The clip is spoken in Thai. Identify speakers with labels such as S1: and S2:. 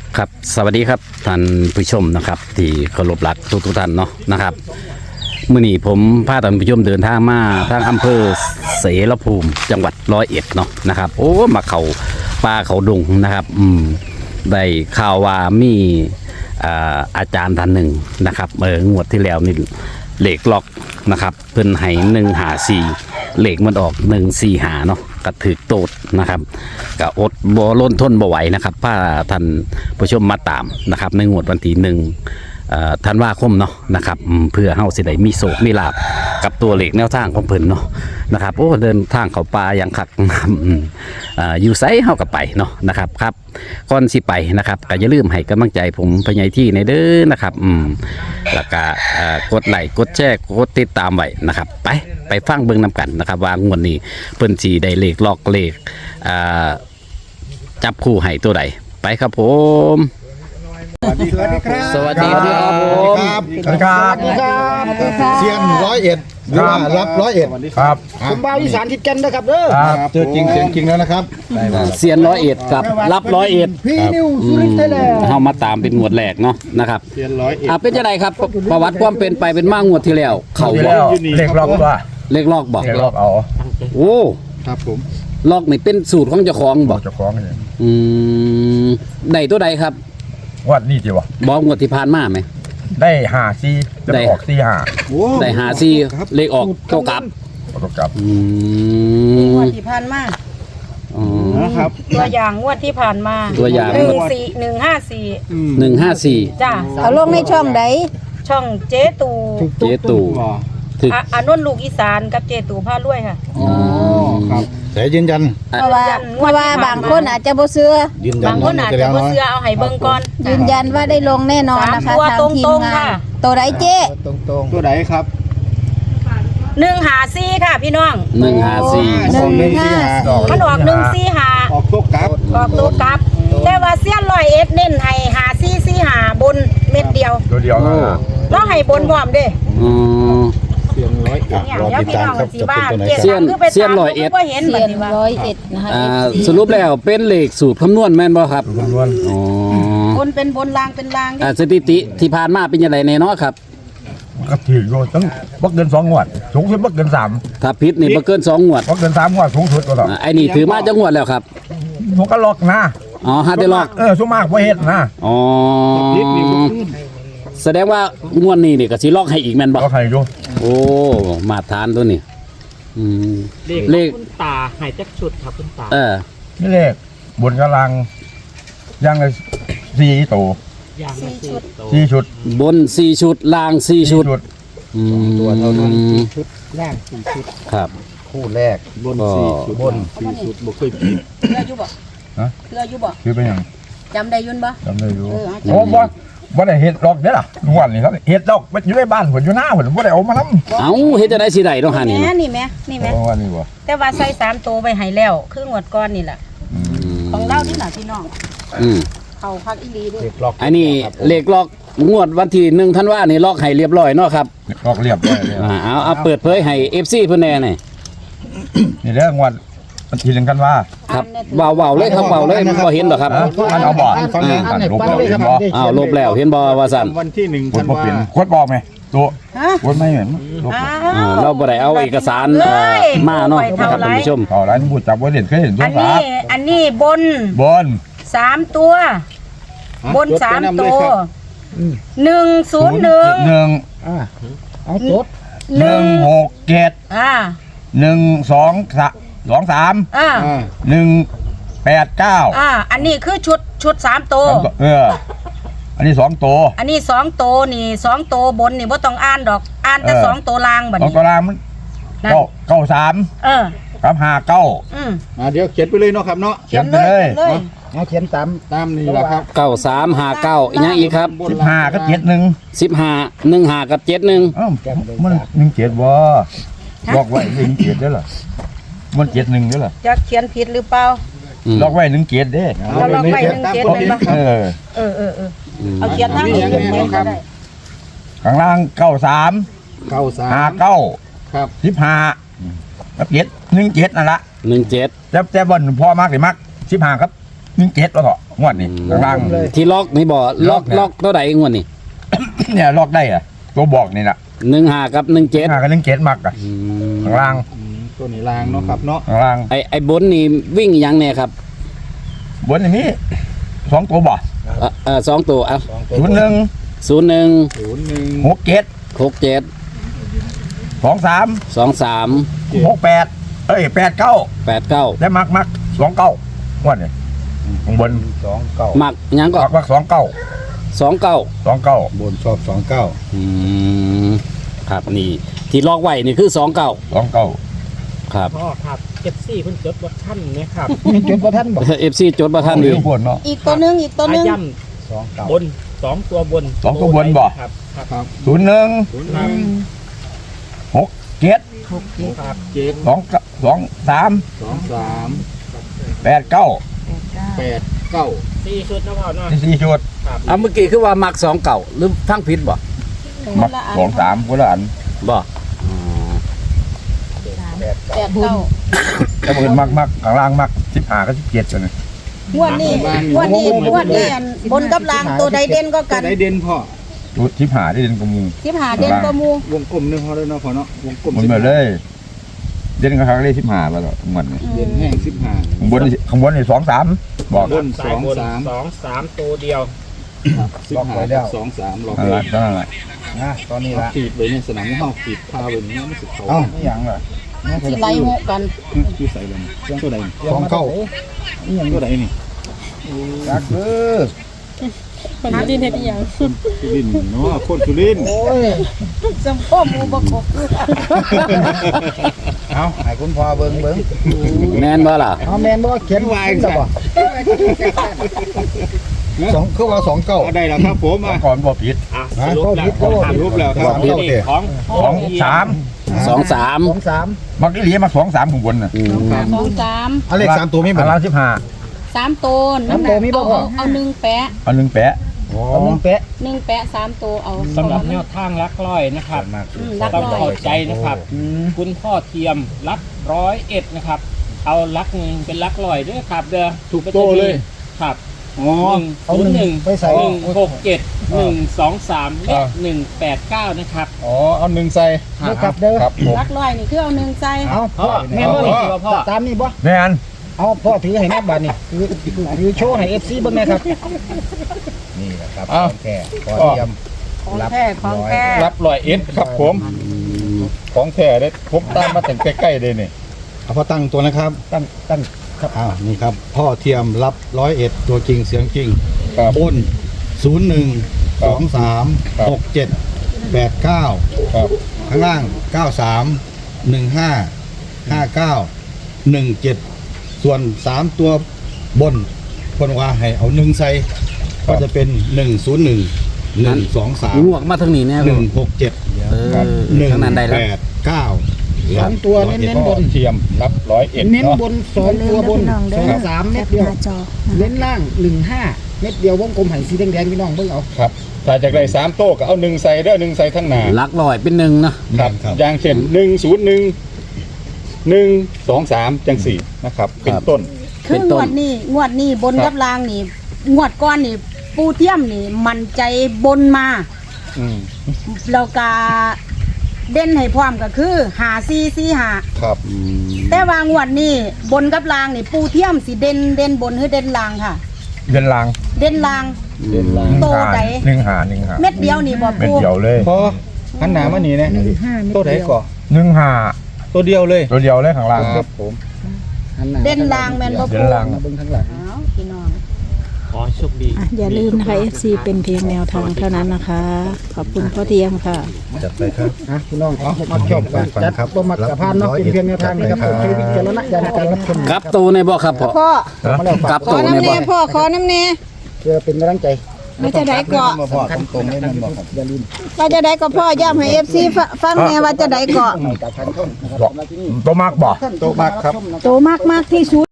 S1: ครับสวัสดีครับท่านผู้ชมนะครับที่เคารพรักทุกท่านเนาะนะครับมื้อนี้ผมพาท่านผู้ชมเดินทางมาทางอำเภอเสรภูมิจังหวัด101เนาะนะครับโอ้มาเขาป่าเขาดงนะครับได้ข่าวว่ามีอาจารย์ท่านหนึ่งนะครับงวดที่แล้วนี่เหล็กล็อกนะครับเพิ่นให้154เหล็กมันออก145เนาะกระถึกโตดนะครับก็อดบ่ล้นทนบ่ไหวนะครับพาท่านผู้ชมมาตามนะครับในงวดวันที่ธันวาคมเนาะนะครับเพื่อเฮาสิได้มีโศกมีลาภกับตัวเหล็กแนวทางของเพิ่นเนาะนะครับโอ้เดินทางเข้าป่าอย่างคักอยู่ไสเฮาก็ไปเนาะนะครับครับก่อนสิไปนะครับก็อย่าลืมให้กำลังใจผมพญายที่ในเด้อนะครับแล้วก็กดไลค์กดแชร์กดติดตามไว้นะครับไปฟังเบิ่งนำกันนะครับว่างวดนี้เพิ่นสิได้เลขล็อกเลขจับคู่ให้ตัวใดไปครับผม
S2: สวัสดีครับ
S1: สวัสดีครับผม
S2: สวัสดีครับเซียน101หรือว่ารับ101ครับผมบ่าวอีสานทิดกันนะครับเด้อเจอจริงเสียงจริงแล้วนะครับ
S1: เซียน101กับรับ101
S2: พี่นิวสุรินทร์ไทยแลนด์
S1: เฮามาตามเป็นงวดแรกเนาะนะครับ
S2: เซียน101
S1: เป็นจังไดครับประวัติความเป็นไปเป็นมางวดที่แล้วเขาบ่
S3: เล็กล็อกว่า
S1: เลขลอกบ่
S3: เล็กล็อกเอา
S1: โอ้
S2: ครับผม
S1: ลอกนี่เป็นสูตรของเจ้าของบ่
S3: เจ้าของนี่
S1: ได้ตัวใดครับ
S3: วัดนี่จีวะ
S1: บ่งวดที่ผ่านมาไหม
S3: ได้5 4จะออก4
S1: ได้54เลขออกโตกลับ
S3: 5ประกอบ
S4: งวดที่ผ่านมา
S2: นะครับ
S4: ตัวอย่างงวดที่ผ่านมา
S1: ตัวอย่าง
S4: 15154จ้า
S5: เอาลงในช่องใด
S4: ช่องเจ๊ตู
S1: เจตู่ถึก
S4: อนนท์ลูกอีสานกับเจ๊ตูพารวยค่ะ
S2: อ๋อครับแต่ยืนยัน
S5: เพราะว่าบางคนอาจจะบ่เชื่อ
S2: ยืนยัน
S4: บางคนอาจจะบ่เชื่อเอาให้เบิ่งก่อน
S5: ยืนยันว่าได้ลงแน่นอนนะคะ
S4: สามตัว
S5: ทางที
S4: ตร
S5: ม
S4: งๆ
S5: งา
S4: ค่ะ
S5: นตัวใดเจ๊
S2: ตรงตัวไหนครับ
S4: 154ค่ะพี่น้อง
S1: 154
S5: 154
S4: มันออก145
S2: ออกโชคกับ
S4: ออกตัวกลับ แต่ว่าเสี้ยน101เน้นให้5445บนเม็ดเดียว
S3: ตัวเดียวนะ
S4: แล้วให้บนพร้อมเด้
S2: เซียน101
S4: เนี่ย
S2: รอ
S4: เดี๋ยว
S2: ติด
S4: พี่
S2: ตาม
S4: น้อง
S2: ครับ
S4: สิ
S2: จะ
S4: ว่า
S2: เป็นตัวไหน
S4: เจ๊
S2: ครับ
S4: คือไปตามบ่เห็น
S5: เสี
S4: บั
S5: ย
S4: ด
S5: น
S4: นี้ว่า
S5: 101นะคะ
S1: สรุปแล้วเป็นเลขสูตรคำนวณแม่นบ่ครับ
S3: คำนวณ
S1: อ๋อบ
S4: นเป็นบนลางเป็นลางดิ
S1: สถิติที่ผ่านมาเป็นยังไงแน่เนาะครับ
S3: ก็ถือโยตั้งบักเกิน2 งวดสูงสุดบักเกิน3
S1: ถ้าผิดนี่บ่เกิน2งวด
S3: บักเกิน3 งวดสูงสุดตัวละ
S1: ไอ้นี่ถือมาจังงวดแล้วครับ
S3: ผมก็ล็อกนะ
S1: อ๋อฮาได้ลอก
S3: ชั่วมากบ่เฮ็ดนะ
S1: อ๋อแสดงว่างวดนี้นี่ก็สิลอกให้อีกแม่นบ่
S3: ก็ใครอยู่
S1: โอ้มาทานตัวนี้เลข
S6: คุณตาหายจากชุดครับคุณตา
S3: นี่เลขบนกำลังย่างละ4ตัว
S6: อย่างละสี่ตัว
S3: 4ชุด
S1: บน4ชุดล่าง4ชุด
S2: ตัวเท่านั้นชุดล่าง4ชุด
S1: ครับ
S2: คู่แรกบน4ชุดบน4ชุดบ่เคยผิด
S4: เรืออยู่บ่เรืออยู่บ่
S3: คือเป็นหยัง
S4: จำได้ยุ่นบ่
S3: จำได้อยู่
S4: เออ
S3: โอ้บ่ได้เฮ็ดดอกเด้อล่ะงวดนี้ครับเฮ็ดดอกอยู่ในบ้านผมอยู่หน้าผมบ่ได้เอามานำ
S1: เอ้าเฮ็ดจังได๋สิได้เนาะหานี่
S4: แม่
S1: เนาะ
S4: นี่แม่นี่แม่
S3: ว่านี่บ่
S4: แต่ว่าใส่3ตัวไปให้แล้วคืองวดก้อนนี่แหละของเรานี่น่ะพี่น้อง
S1: อืม
S4: เขาพักอีหลีด้วย
S1: อันนี้เลขลอกงวดวันที่1ธันวานี่ลอกให้เรียบร้อยเนาะครับ
S3: ดอกเรียบร้อยแล้ว
S1: เอาเปิดเผยให้ FC เพิ่นแน่หน่อย
S3: นี่เด้องวดมันทีนึงกันว่า
S1: ครับเว้าๆเลยครับเว้าเลยบ่เห็นดอกครับ
S3: มันเอาบ่
S2: ฟังเลยอันไหน
S3: ลบ
S2: ฟัง
S3: แล้ว
S2: เลยค
S3: เห็
S2: รับ
S3: นบ่
S1: อ้าวลบแล้วเห็นบ่ว่าซั่น
S2: วันที่1
S3: ก
S2: ธั
S3: ด
S2: น
S3: บ่
S2: วา
S3: เป็นกดบอกไหมตัว
S4: ฮะ
S3: กดไม่เห็นลบ
S1: เราบ่ได้เอาเอกสารมาเนาะนะครับท่านผู้ชม
S3: ต่อร้านบูจับบ่เห็นเคยเห็นตั
S4: อั
S3: วน ฟ้า
S4: นี้บน
S3: บน
S4: 3ตัว บน3ตัว101
S3: 1
S2: เอาจด
S3: 1 6 7
S4: อ่า
S3: 1 2 3
S4: อ่า
S3: 1 8 9
S4: อันนี้คือชุด3ตัว
S3: อันนี้2ตัว
S4: อันนี้2ตัวนี่2ตัวบนนี่บ่ต้องอ่านดอกอ่านแต่2ตัวล่างบัด
S3: 2
S4: นี้
S3: ตัวล่างมัน
S4: นั่น
S3: 93
S4: เออ
S3: กับ59
S4: อืม
S2: เดี๋ยวเขียนไปเลยเนาะครับเนาะ
S4: เขียนเลย
S2: เอาเขียนตามนี่แหละครับ
S1: 9359อีกอย่างอีกครับ
S3: 15กับ71
S1: 15 15กับ71
S3: เอ้ามัน17บ่บอกไว้17เด้อล่ะมัน71เด้อล่ะ
S4: จะเขียนผิดหรือเปล่า
S3: ล็อกไว้17เด้
S4: เราล็อกไว้17เลยปะ
S3: เออ
S4: เออเอาเขียนทางนี้เขียนไว้ก็ได้
S3: ข้างล่าง93 59
S2: ครับ
S3: 15กับ7 17นั่นล่ะ
S1: 17
S3: แต่บ่นพอมากหรือมัก15ครับ 17แล้วก็งวดนี้ข้างล่าง
S1: ที่ล็อกนี่บ่ล็อก
S3: ล็อกเนี่ย
S1: เท่าใดงวดนี่
S3: เนี่ยล็อกได้อะตัวบอกนี่น่ะ
S1: 15กับ17
S3: หากัน17มักอ่ะข้างล่าง
S2: ตัวนี้ลางเนาะครับเนาะ
S3: ข้างล่าง
S1: ไอ้บนนี่วิ่งอีหยังแน่ครับ
S3: บนอย่างนี้2ตัวบ่
S1: 2ตัวเอา
S3: 01
S1: 01
S3: 67
S1: 67
S3: 23
S1: 23
S3: 6889
S1: 89
S3: และมัก29งวดนี้ข้างบน
S1: มักหยังก็
S3: มัก29
S1: 29
S3: 29
S2: บนชอบ29
S1: ครับนี่ที่ล็อกไว้นี่คือ29
S3: 29
S1: ครับ
S6: พ่อครับเก็บซี่เพิ่นจดว่าท่านนะครับ
S2: มีจุดประทันบ่
S1: FC จดบ่ทันดี
S3: ทุกคนเนาะ
S5: อีกตัวหนึงอีกตัวหนึง
S6: ย่ำบน2ตัวบน
S3: สองตัวบนบ่
S6: ครับครับ
S2: ครับ
S3: 01 67
S6: ครับ
S3: 23 89
S6: 4ชุดนะพ่อเนาะ
S3: 4ชุด
S1: เอาเมื่อกี้คือว่ามัก29หรือฟังผิดบ่
S3: มัก23คนละอัน
S1: บ่
S5: แปดเก้า
S3: แต่เพิ่นมักข้างล่างมัก15กับ17ตัวนี้
S4: งวดนี้อันบนกับล่างตัวใดเด่นก็กัน
S2: ได้เด่นพ่อ
S3: ชุด15ได้เด่นกว่าหมู่
S4: 15เด่นกว่าหมู่
S2: วงกลมนึงพอได้เนาะพ่อเนาะวงกลม
S3: มันมาเลย เด่นกับข้างเลข15แล้วทั้งหมดนี่
S2: เด่นแห้ง15
S3: ข้างบนนี่23บอก
S2: บน
S6: สายบน
S2: 2
S6: 2-3ตัวเดียว
S2: 15กับ23ล็อก
S3: นั่น
S2: ไว้
S3: แหละนั่นแหละ
S2: นะตอนนี้ละขีดไว้ในสนามเฮาขีดพาไว้นี่มันสิเขาอีหยังล่ะ
S5: สิไหลหกกัน
S2: อยู่ใส่เลยตัวใดอีหยังตัวใดนี่จักเด้อ
S5: คนดินเฮ็ดอีหยัง
S2: สุรินทร์เนาะคนสุรินทร์โอ้ย
S4: สมพ่อหมู่บ่ครบ
S2: เอาให้คุณพ่อเบิ่ง
S1: แม่นบ่ล่ะ
S2: เอาแม่นบ่เขียนไว้จังบ่คือว่า29ได้แล้วครับผมอ่ะ
S3: ก่อนบ่ผิด
S6: อ่ะสรุปแล้ว
S2: รูปแล้วครับ
S6: นี่ของ
S3: 23
S1: 23
S3: มักอีหลีมา23ข้างบนน่ะ
S5: 2
S2: เอาเลข3ตัวมีบ่
S3: ข้างล่าง15
S5: 3 3ตัวน้ำหนักเอา1แปะ
S3: เอา1แปะ
S2: เอา1แปะ
S5: 1แปะ3ตัวเอา
S6: สำหรับแนวทางลักร้อยนะครับ
S5: รัก
S6: ต้อง
S5: ร้อย
S6: เข้าใจนะครับ คุณพ่อเทียมรัก101นะครับ เอาลักหนึ่งเป็นลักร้อยด้วยครับเด้อ
S2: ถูกโตเลย
S6: ครับ
S2: อ๋อเอา1ไปใส่
S6: 167 123และ189นะครับ
S2: อ๋อเอา1ใส่ครับเด้อครับผม
S4: รักร้อยนี่คือเอา1ใส่
S2: เอาพ่อแม่นบ่นี่ตามนี่บ่
S3: แม่น
S2: เอาพ่อถือให้แม่บาดนี่ถือโชว์ให้ FC เบิ่งแม่ครับนี่แหละครับของแท้พอเตรียม
S4: ของแท้ของแท้
S2: รับ100ครับผมของแท้เด้ผมตามมาถึงใกล้ๆเลยนี่เอาพ่อตั้งตัวนะครับตั้งครับอ้าวนี่ครับพ่อเทียมรับ101ตัวจริงเสียงจริงบน01 23 67 89ครับข้างล่าง93 15 59 17ส่วน3ตัวบนคนว่าให้เอา1ใส่ก็จะเป็น101 123
S1: งวกมาทางนี้แน่บ่
S2: 167
S1: เออทางนั้นได้แล้ว
S2: 189
S7: 2 ตัวเน้นบน
S2: เทียมรับ101
S7: เน้นบน2 ตัวบน2 3 เม็ดเดียว เน้นล่าง 15 เม็ดเดียววงกลมไห่สีแดงๆพี่น้องเบิ่งเอา
S2: ครับถ้าจากได้3โต๊ะก็เอา1ใส่เด้อ1ใส่ทั้งหน้า
S1: ลักร้อยเป็น1นะครับ
S2: อย่างเช่น101 123จังสี่นะครับเป็นต้น
S4: คืองวดนี้บนกับล่างนี่งวดก้อนนี่ปูเทียมนี่มันใจบนมา
S2: อืม
S4: แล้วก็เด่นให้พร้อมก็คือ5445
S2: ครับ
S4: แต่ว่างวดนี้บนกับล่างนี่ปูเทียมสิเด่นบนหรือเด่นล่างค่ะ
S3: เด่นล่าง
S4: เด่นล่าง โตใด
S3: 15
S4: เม็ดเดียวนี่บ่
S3: เม็ด
S4: ปู
S3: เดียวเลย
S2: พอหันหน้ามานี่นะตัวไหนก่อน
S3: 15
S2: ตัวเดียวเลย
S3: ตัวเดียวเลยข้างล่าง
S2: ครับผม
S4: เด่นล่างแม่นบ่
S3: เด่
S4: ปู
S3: นล่าง
S2: เบิ่งทั้งหลัง
S4: อ้าวพี่น้อง
S6: ขอโชคดี
S5: อย่าลืมนะคะ FC เป็นเพียงแนวทางเท่านั้นนะคะ ขอบคุณพ่อเทียมค่ะ
S2: จัดไปครับ
S7: พี่น้องมาชอบกันจัดบ่มักกะพานเนาะเป็นเพียงแนวทางนะครับผมใช้วิจารณญาณในการรับชม
S1: กลับตัวในบ่ครับพ่อ
S5: พ่อ
S7: มาแล้ว
S1: กลับ
S5: ขอ
S1: ตัวใน
S5: น้ำ
S1: บ่
S5: แน่พ่อขอน้ำแน่
S7: เพื่อเป็นกำลังใจ
S5: ว่าจะได้เกาะ
S2: มาพอตรงๆเลยมันบอกครับ
S7: อย่าลืม
S5: ว่าจะได้ก็พ่อย่ำให้ FC ฟังแน่ว่าจะได้เกาะ
S7: จากทางช่องนะครับ
S3: ตัวมักบ่
S2: โต๊ะมากครับ
S5: โตมากที่สุด